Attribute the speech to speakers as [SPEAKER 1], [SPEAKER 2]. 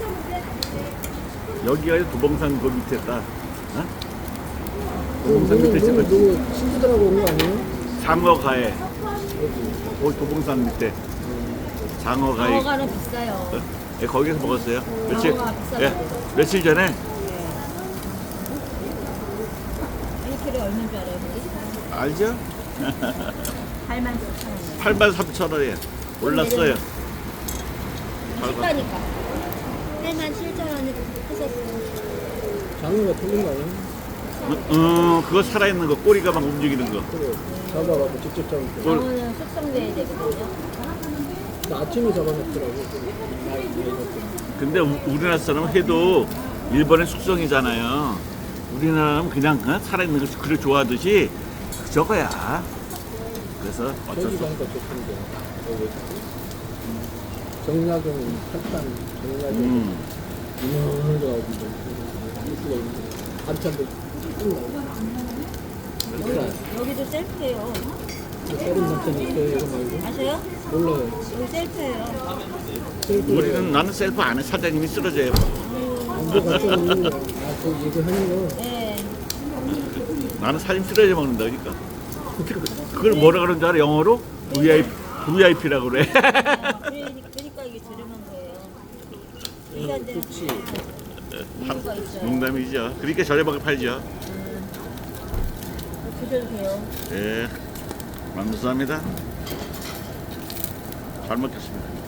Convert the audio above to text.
[SPEAKER 1] 여기가 도봉산 그 밑에 딱. 어? 도봉산 밑에 있어.
[SPEAKER 2] 누구 친구들하고 온 거 아니에요?
[SPEAKER 1] 장어가에. 거기 도봉산 밑에. 장어가에.
[SPEAKER 3] 장어가는 비싸요.
[SPEAKER 1] 예, 거기서 먹었어요. 며칠,
[SPEAKER 3] 장어가 비싸다고.
[SPEAKER 1] 예, 며칠 전에.
[SPEAKER 3] 네. 1kg에 얼마인 줄 알아요? 거기?
[SPEAKER 1] 알죠?
[SPEAKER 3] 84,000원.
[SPEAKER 1] 83,000원이에요. 올랐어요.
[SPEAKER 3] 식다니까. 87,000원이 했었어요.
[SPEAKER 2] 장어가 틀린 거 아니에요?
[SPEAKER 1] 그거 살아있는 거, 꼬리가 막 움직이는 거.
[SPEAKER 2] 그래. 잡아가지고 직접 잡을 때.
[SPEAKER 3] 장어는 숙성돼야 되거든요.
[SPEAKER 2] 나 아침에 잡아먹더라고. 나이 먹고.
[SPEAKER 1] 근데 우리나라 사람은 해도 일본의 숙성이잖아요. 우리나라는 그냥 살아있는 거 그걸 좋아하듯이 저거야. 그래서 어쩔
[SPEAKER 2] 저기
[SPEAKER 1] 수 없어.
[SPEAKER 2] 가니까 좋던데. 여기. 정약용 팔단 정약용 이놈을 가지고 수가 있는데 반찬도 쭉 나오고.
[SPEAKER 3] 여기도 셀프예요.
[SPEAKER 2] 다른 반찬이 있어요 이거 말고?
[SPEAKER 3] 아세요?
[SPEAKER 2] 몰라요.
[SPEAKER 3] 여기 셀프예요.
[SPEAKER 1] 우리는 나는 셀프 안 해. 사장님이 쓰러져요.
[SPEAKER 2] 안도 같이 먹는 거. 아, 그 얘기하는 거.
[SPEAKER 3] 네.
[SPEAKER 1] 나는 사장님 쓰러져 먹는다 그러니까. 그걸 뭐라 그러는 줄 알아? 영어로? VIP라고 그래.
[SPEAKER 3] 그러니까 이게 저렴한 거예요. 비싼 데는
[SPEAKER 2] 그렇지.
[SPEAKER 3] 이유가 있어요.
[SPEAKER 1] 농담이죠. 그러니까 저렴하게 팔죠.
[SPEAKER 3] 드셔도 돼요.
[SPEAKER 1] 예, 감사합니다. 잘 먹겠습니다.